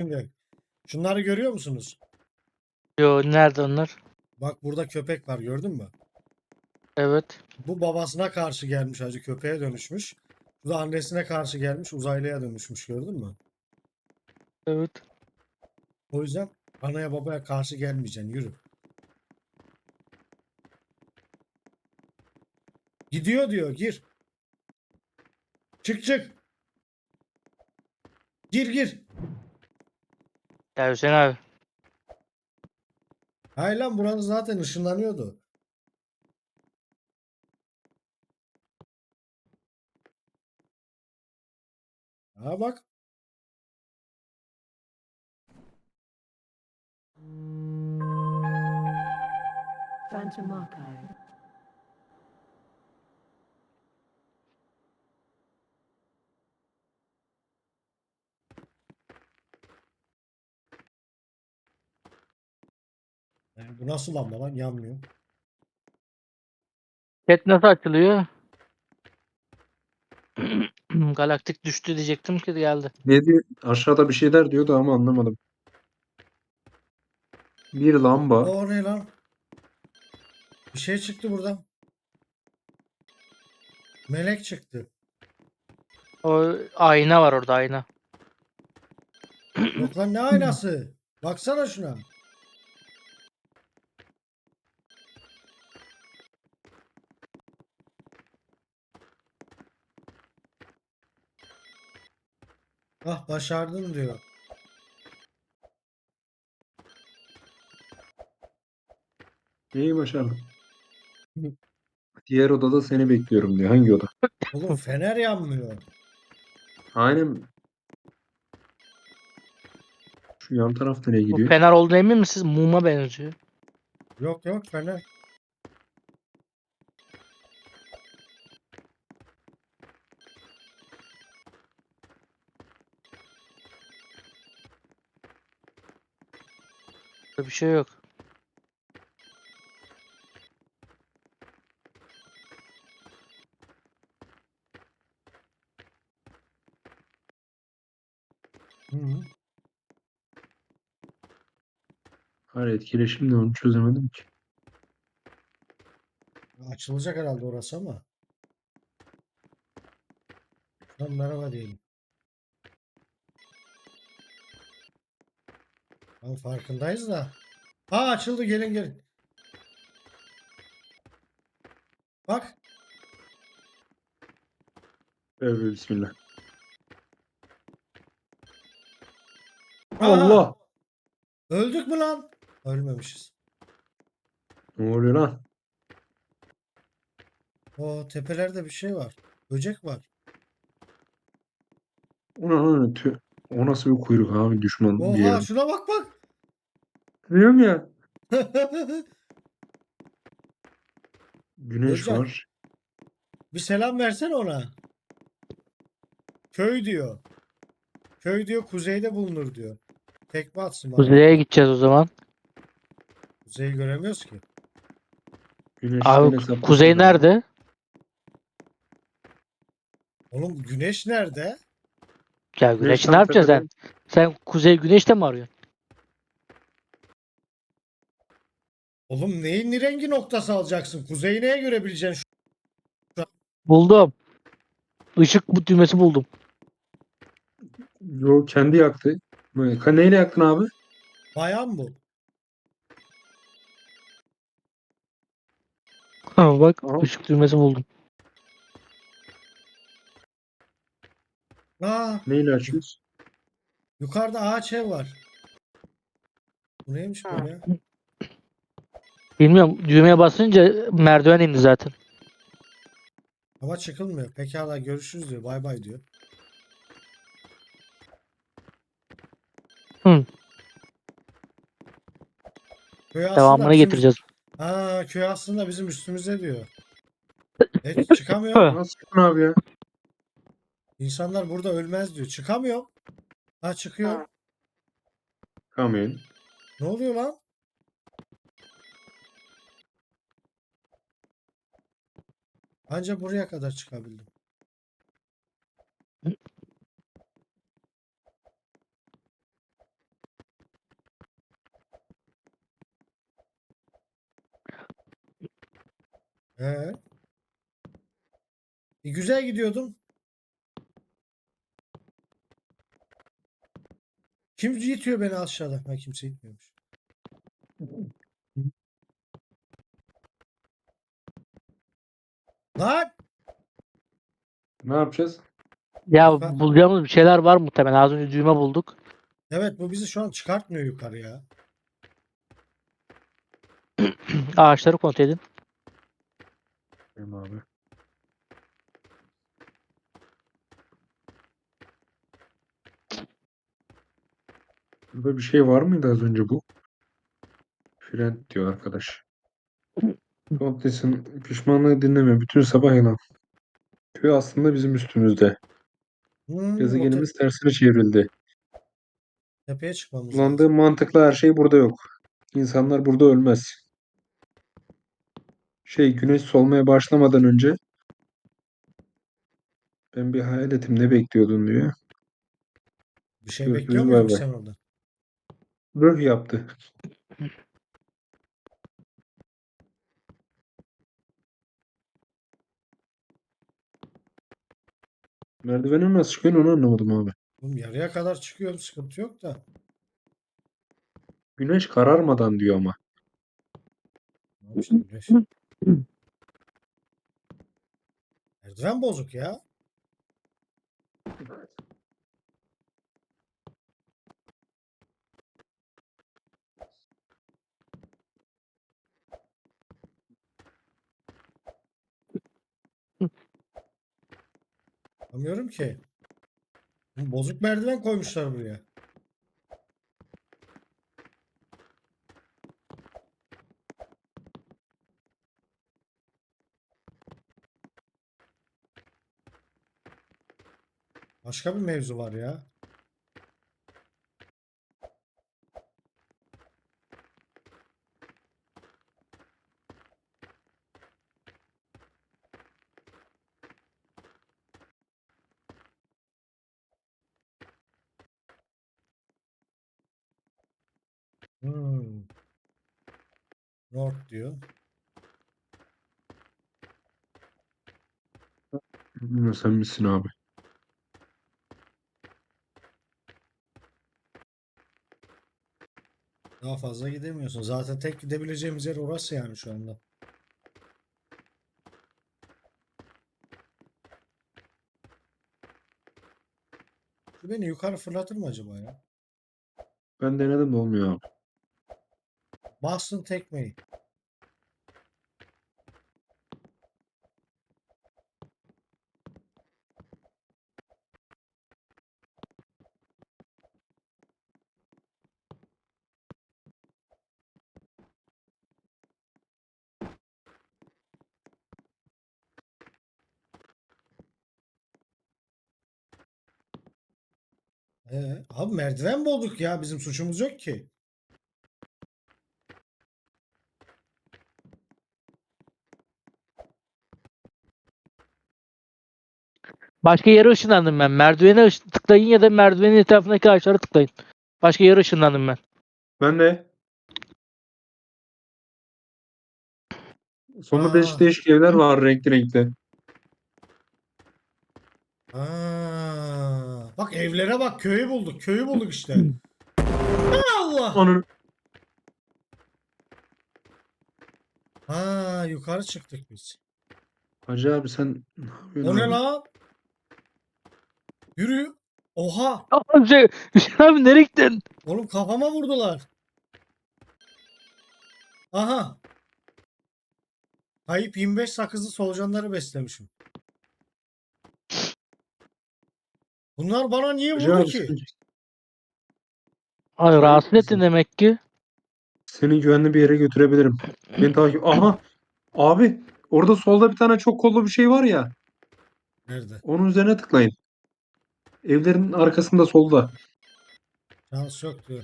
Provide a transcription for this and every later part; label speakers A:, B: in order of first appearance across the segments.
A: yok. Şunları görüyor musunuz?
B: Yo, nerede onlar?
A: Bak burada köpek var, gördün mü?
B: Evet.
A: Bu babasına karşı gelmiş, hacı köpeğe dönüşmüş. Bu da annesine karşı gelmiş, uzaylıya dönüşmüş, gördün mü?
B: Evet.
A: O yüzden anaya babaya karşı gelmeyeceksin, yürü. Gidiyor diyor, gir. Çık çık. Gir gir.
B: Ya Hüseyin abi.
A: Hayır lan, buranın zaten ışınlanıyordu. Ha bak.
C: Phantom Archive.
A: Bu nasıl lamba lan, yanmıyor.
B: Chat nasıl açılıyor? Galaktik düştü diyecektim ki geldi.
D: Ne diyor? Aşağıda bir şeyler diyordu ama anlamadım. Bir lamba.
A: O ne lan? Bir şey çıktı buradan. Melek çıktı.
B: O ayna var orada, ayna.
A: Yok lan, ne aynası? Baksana şuna. Ah, başardın diyor.
D: Neyi başardım? Diğer odada seni bekliyorum diyor. Hangi oda?
A: Oğlum fener yanmıyor.
D: Aynen. Şu yan tarafta ne
B: Bu
D: gidiyor?
B: fener olduğuna emin misiniz? Muma benziyor.
A: Yok yok, fener.
B: Burada bir şey yok.
A: Hı -hı.
D: Hayır, etkileşim de onu çözemedim ki.
A: Açılacak herhalde orası ama. Şuradan merhaba diyelim. Tamam, farkındayız da. Ha, açıldı, gelin gelin. Bak.
D: Evet, bismillah.
A: Aha.
D: Allah!
A: Öldük mü lan? Ölmemişiz.
D: Ne oluyor lan?
A: O tepelerde bir şey var. Böcek var.
D: O nasıl bir kuyruk abi, düşman bir
A: Oha,
D: yerin.
A: şuna bak bak.
D: Biliyorum ya. Güneş
A: Özcan,
D: var.
A: bir selam versene ona. Köy diyor. Köy diyor, kuzeyde bulunur diyor. Tekme atsın bana.
B: Kuzeye gideceğiz o zaman.
A: Kuzeyi göremiyoruz ki.
D: Güneşten
B: Abi kuzey
D: hesaplasana.
B: nerede?
A: Oğlum güneş nerede?
B: Ya
D: Güneş
B: güneşi ne
D: tam
B: yapacağız
D: tepede.
B: sen? Sen kuzey güneşte mi arıyorsun?
A: Oğlum neyin rengi noktası alacaksın? Kuzeyi neye göre bileceksin?
B: Buldum. Işık bu düğmesi buldum.
D: Yo, kendi yaktı. Neyle yaktın abi?
A: Bayan bu.
B: Bak,
D: Aha.
B: ışık düğmesi buldum.
A: Aa,
D: Neyle açıyoruz?
A: yukarıda ağaç ev var. Bu neymiş böyle?
B: Bilmiyorum, düğmeye basınca merdiven indi zaten.
A: Ama çıkılmıyor. Pekala, görüşürüz diyor. Bay bay diyor.
B: Hı,
A: Köy aslında
B: devamını
A: bizim
B: getireceğiz.
A: köy aslında bizim üstümüzde diyor. Çıkamıyor.
D: Nasıl çıktın abi ya?
A: İnsanlar burada ölmez diyor. Çıkamıyor. Ha, çıkıyor.
D: Kamyon.
A: Ne oluyor lan? Anca buraya kadar çıkabildim. He. Güzel gidiyordum. Kim itiyor beni aşağıda? Ha, kimse itmiyormuş. Lan!
D: Ne yapacağız?
B: Ya
A: Lütfen.
B: bulacağımız bir şeyler var muhtemelen. Az önce düğme bulduk.
A: Evet, bu bizi şu an çıkartmıyor yukarı ya.
B: Ağaçları kontrol edin.
D: Benim abi. Burada bir şey var mıydı az önce bu? Friend diyor arkadaş. Kontes'in pişmanlığı dinleme. Bütün sabah yalan. Köy aslında bizim üstümüzde.
A: O
D: Gezegenimiz tersine çevrildi.
A: tepeye çıkmamız lazım.
D: Kullandığım mantıklı her şey burada yok. İnsanlar burada ölmez. Güneş solmaya başlamadan önce ben bir hayaletim, ne bekliyordun diyor.
A: Bir şey bekliyor
D: Görüşürüz, bay
A: muydun
D: bay.
A: sen orada?
D: Röh yaptı. Merdivene nasıl çıkıyorsun onu anlamadım abi.
A: Oğlum yarıya kadar çıkıyorum, sıkıntı yok da.
D: Güneş kararmadan diyor ama.
A: Tamam işte güneş. Merdiven bozuk ya. Anlamıyorum ki. Bozuk merdiven koymuşlar buraya. Başka bir mevzu var ya. Hmm. North diyor.
D: Bilmiyorum, sen misin abi?
A: Daha fazla gidemiyorsun. Zaten tek gidebileceğimiz yer orası yani şu anda. Şu beni yukarı fırlatır mı acaba ya?
D: Ben denedim de olmuyor abi.
A: Bastın tekmeyi. Abi merdiven bulduk ya. Bizim suçumuz yok ki.
B: Başka yere ışınlandım ben. Merdivene tıklayın ya da merdivenin etrafındaki ağaçlara tıklayın. Başka yere ışınlandım ben.
D: Ben de. Sonunda
A: Aa,
D: değişik değişik evler var, renkli renkli.
A: bak evlere bak. Köyü bulduk. Köyü bulduk işte. Allah.
D: Onun
A: Yukarı çıktık biz.
D: Hacı abi, sen ne yapıyorsun
A: O ne
D: abi?
A: lan? Yürü. Oha.
B: Abi Hüseyin abi nereye gittin?
A: Oğlum kafama vurdular. Aha. Kayıp 25 sakızlı solucanları beslemişim. Bunlar bana niye
D: Hacı
A: vurdu
D: abi,
A: ki?
B: Abi
D: Kayıp
B: rahatsız ettin
D: bizim.
B: demek ki.
D: Seni güvenli bir yere götürebilirim. Beni takip. Aha! Abi, orada solda bir tane çok kollu bir şey var ya.
A: Nerede?
D: Onun üzerine tıklayın. Evlerin arkasında solda.
A: Şans yok diyor.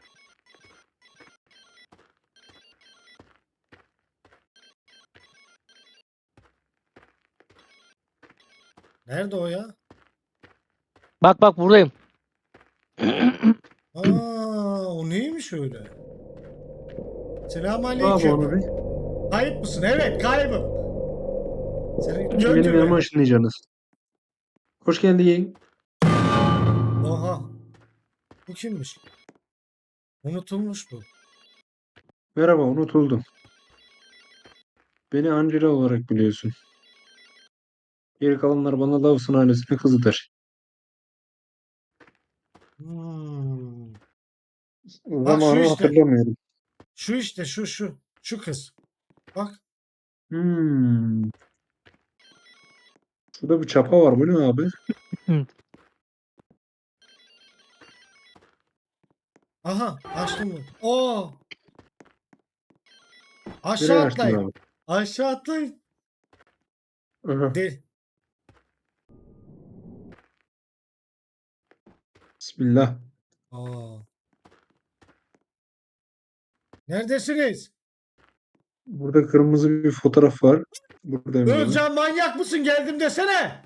A: Nerede o ya?
B: Bak bak buradayım.
A: O neymiş öyle?
D: Ne abi onu
A: Selamünaleyküm.
D: bir?
A: Kayıp mısın? Evet, kaybım. Seni
D: Benim
A: gördü
D: yanıma
A: mü?
D: ışınlayacaksınız. Hoş geldin.
A: Oha. Bu kimmiş? Unutulmuş bu.
D: Merhaba, unutuldum. Beni Angela olarak biliyorsun. Geri kalanlar bana Lawson ailesinin kızıdır.
A: Hmm. Bak şu
D: Zamanı
A: işte.
D: hatırlamıyorum.
A: Şu işte şu. Şu kız. Bak.
D: Hmm. Şurada bir çapa var. Bu ne abi?
A: Aha açtım mı? Oo. Aşağı
D: Nereye açtın
A: atlayın.
D: abi?
A: Aşağı atlayın.
D: Aha.
A: De.
D: Bismillah.
A: Aa. Neredesiniz?
D: Burada kırmızı bir fotoğraf var. Buradayım abi.
A: Özcan manyak mısın? Geldim desene.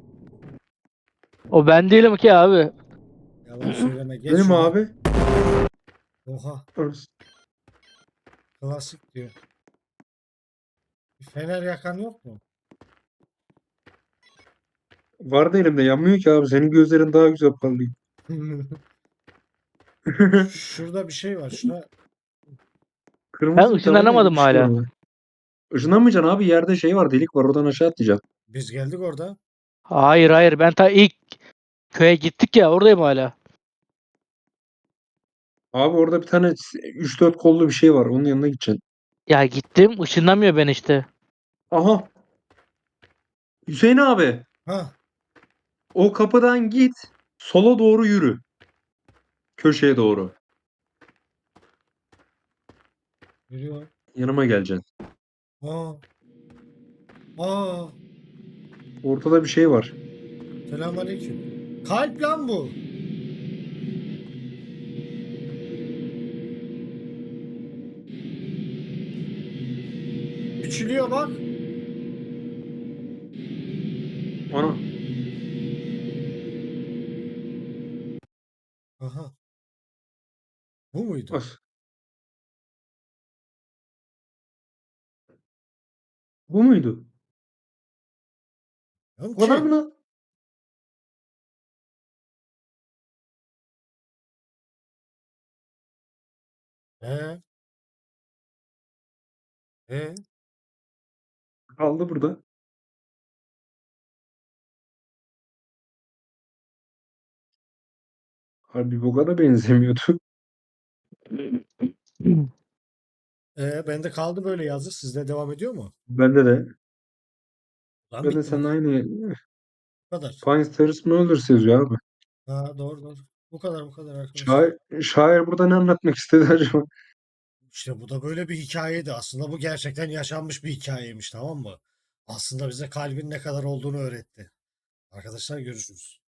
B: O ben değilim ki abi.
A: Yalan söyleme. Geç
D: Benim
A: şuradan.
D: abi.
A: Oha. Klasik diyor. Bir fener yakan yok mu?
D: Vardı elimde. Yanmıyor ki abi. Senin gözlerin daha güzel parlıyor.
A: Şurada bir şey var. Şuna
B: Ben
D: Kırmızı bir tabela gibi
B: ışınlanamadım
D: bir şey var
B: hala.
D: abi. Işınlanmayacaksın abi. Yerde şey var. Delik var. Oradan aşağı atlayacaksın.
A: biz geldik orada.
B: Hayır, ben ta ilk köye gittik ya, oradayım hala.
D: Abi orada bir tane 3-4 kollu bir şey var. Onun yanına gideceksin.
B: Ya gittim, ışınlamıyor ben işte.
D: Aha. Hüseyin abi.
A: Ha.
D: O kapıdan git. Sola doğru yürü. Köşeye doğru.
A: Yürüyor.
D: Yanıma geleceksin.
A: Aa. Aa.
D: Ortada bir şey var.
A: Selamünaleyküm. Kalp lan bu. Küçülüyor bak.
D: Ana.
A: Aha. Bu muydu?
D: As. Bu muydu?
A: Lan
D: Bu kadar mı
A: ki.
D: lan?
A: He. He.
D: Kaldı burada. Harbi bu kadar benzemiyordu.
A: Bende kaldı böyle yazı. Sizde devam ediyor mu?
D: Bende de.
A: Lan
D: Ben de
A: bitti bu
D: seninle aynı.
A: kadar.
D: Fine Stairs Murders yazıyor abi.
A: Ha, doğru. Bu kadar arkadaşlar.
D: Şair burada ne anlatmak istedi acaba?
A: İşte bu da böyle bir hikayeydi. Aslında bu gerçekten yaşanmış bir hikayeymiş, tamam mı? Aslında bize kalbin ne kadar olduğunu öğretti. Arkadaşlar görüşürüz.